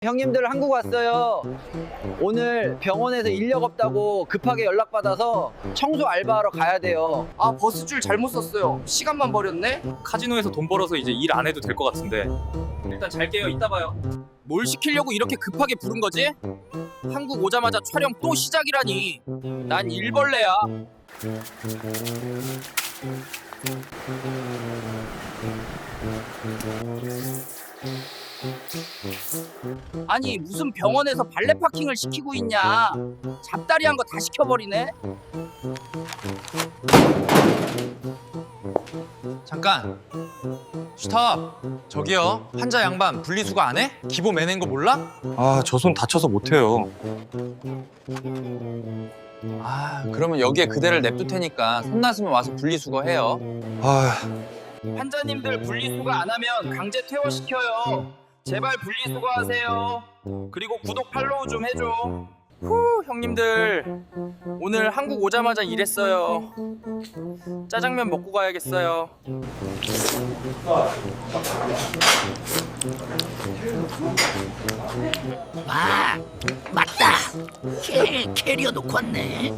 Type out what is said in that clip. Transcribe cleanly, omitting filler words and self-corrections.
형님들 한국 왔어요. 오늘 병원에서 인력 없다고 급하게 연락받아서 청소 알바하러 가야 돼요. 아, 버스줄 잘못 썼어요. 시간만 버렸네. 카지노에서 돈 벌어서 이제 일 안 해도 될 것 같은데 일단 잘게요. 이따 봐요. 뭘 시키려고 이렇게 급하게 부른 거지? 한국 오자마자 촬영 또 시작이라니. 난 일벌레야. 아니 무슨 병원에서 발레 파킹을 시키고 있냐. 잡다리한 거 다 시켜버리네. 잠깐 스탑. 저기요, 환자 양반 분리수거 안 해? 기보 매낸 거 몰라? 아, 저 손 다쳐서 못해요. 아, 그러면 여기에 그대를 냅둘 테니까 손 났으면 와서 분리수거 해요. 아, 환자님들 분리수거 안 하면 강제 퇴원시켜요. 제발 분리수거하세요. 그리고 구독 팔로우 좀 해줘. 후, 형님들 오늘 한국 오자마자 일했어요. 짜장면 먹고 가야겠어요. 아, 맞다. 캐리어 놓고 왔네.